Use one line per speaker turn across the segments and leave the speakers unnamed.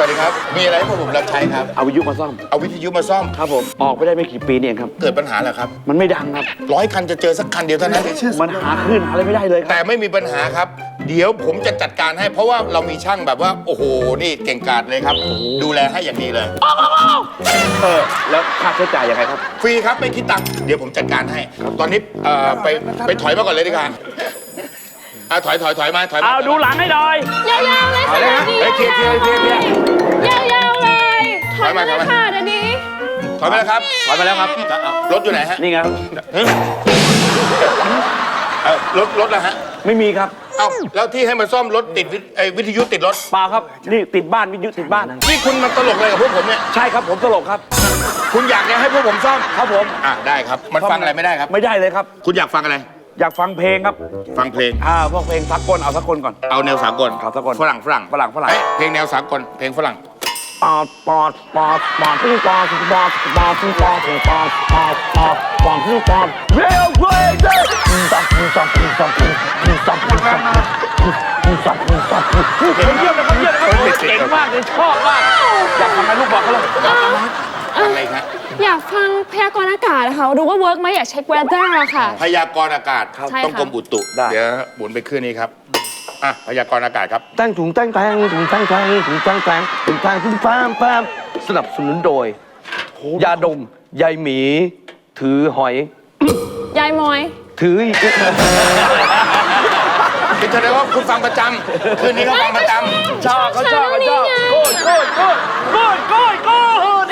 วัสดีครับมีอะไรให้พวกผมรับใช้ครับ
เอาวิทยุมาซ่อม
เอาวิทยุมาซ่อม
ครับผมออกไปได้ไม่กี่ปีนี่เองครับ
เกิดปัญหาเหรอครับ
มันไม่ดังครับ
100 คันจะเจอสักคันเดียวเท่านั้น
มันหาคลื่นอะไรไม่ได้เลย
แต่ไม่มีปัญหาครับเดี๋ยวผมจะจัดการให้เพราะว่าเรามีช่างแบบว่าโอ้โหนี่เก่งกาจเลยครับดูแลให้อย่างดีเลย
แล้วค่าใช้จ่ายยังไงครับ
ฟรีครับไม่คิดตังค์เดี๋ยวผมจัดการให้ตอนนี้ไปถอยมาก่อนเลยดีกว่าถอยมา
เอาดูหลังให้หน่อย
ยาวๆเลยค่ะ
เคลียร์
ยาวๆเลยถอยมาค่ะเดี๋ยวนี้
ถอยมาแล้วครับ
ถอยมาแล้วครับ
รถอยู่ไหนฮะ
นี่ไง
รถนะฮะ
ไม่มีครับ
เอ้าแล้วที่ให้มาซ่อมรถติดวิทยุติดรถ
เปล่าครับนี่ติดบ้านวิทยุติดบ้าน
นี่คุณมาตลกเลยกับพวกผมเนี่ย
ใช่ครับผมตลกครับ
คุณอยากให้พวกผมซ่อม
ครับผม
ได้ครับมันฟังอะไรไม่ได้ครับ
ไม่ได้เลยครับ
คุณอยากฟังอะไร
อยากฟังเพลงครับ
ฟังเพลง
พวกเพลงสากลเอาสากลก่อน
เอาแนวสากล
ครับสากล
ฝรั่งเพลงแนวสากลเพลงฝรั่ง
ปอดปอดปอดปอดที่ปอดปอดปอดที่ปอดที่ปอดปอดปอดปอดที่ปอดเรียวเกรดสับเยี่ยมนะครับเก่งมากเลยชอบมากอยากทำอะไรลูกบอกเขาเลย
อะไรครับ
อยากฟังพยากรณ์อากาศนะคะดูว่าเวิร์กไหมอยากเช็ค weather ค่ะ
พยากรณ์อากาศต้องกรมอุตุเดี๋ยวหมุนไปขึ้นนี้ครับพยากรณ์อากาศครับ
ตั้งถุงตั้งแทงถุงตั้งแทงถุงตั้งแทงถุงตั้งถุงแฟมสนับสนุนโดยยาดมยายหมีถือหอย
ยายมอย
ถือ
คือแสดงว่าคุณฟังประจำคืนนี้ก็ฟังประจ
ำชอบโกด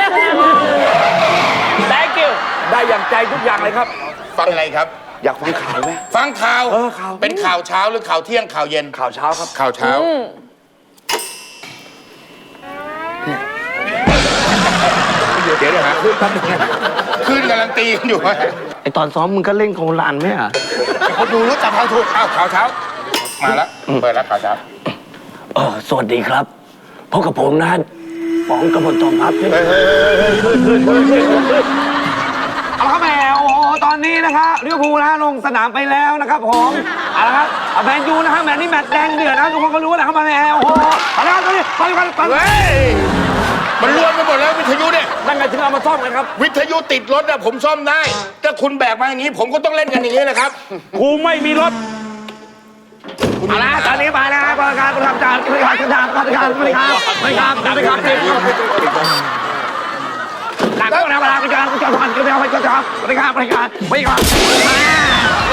thank you ได้อย่างใจทุกอย่างเลยครับ
ฟังอะไรครับ
อยากฟังข่าวไหม
ฟังข่าว
ข่าว
เป็นข่าวเช้าหรือข่าวเที่ยงข่าวเย็น
ข่าวเช้าครับ
ข่าวเช้าเดี๋ยวฮะคืนกำลังตีกันอยู่
ไอตอนซ้อมมึงก็เล่นของหลานไหมอ่ะ
เขาดูรู้จักเขาถูกข่าวเช้ามาแล้วเปิดแล้วข่าวเช้า
สวัสดีครับพบกับผมนะป๋องกบฏทองพับเอาละครับแมวตอนนี้นะครับลิเวอร์พูลนะลงสนามไปแล้วนะครับผมเอาละครับแมนยูนะครับแมนนี่แมตช์แดงเดือดนะทุกคนก็รู้นะครับแมวเอาละครับตอนนี้ไป
มันรวนไปหมดแล้ววิทยุเนี่ย
นั่นไงถึงเอามาซ่อมกันครับ
วิทยุติดรถผมซ่อมได้ถ้าคุณแบกมาอย่างนี้ผมก็ต้องเล่นกันอย่างนี้แหละครับ
กูไม่มีรถเอาละตอนนี้ไปแล้วบริการประจำการบริการเต็มการการการเต็มการหลังก็แล้วเวลาบริการประจำการบริการ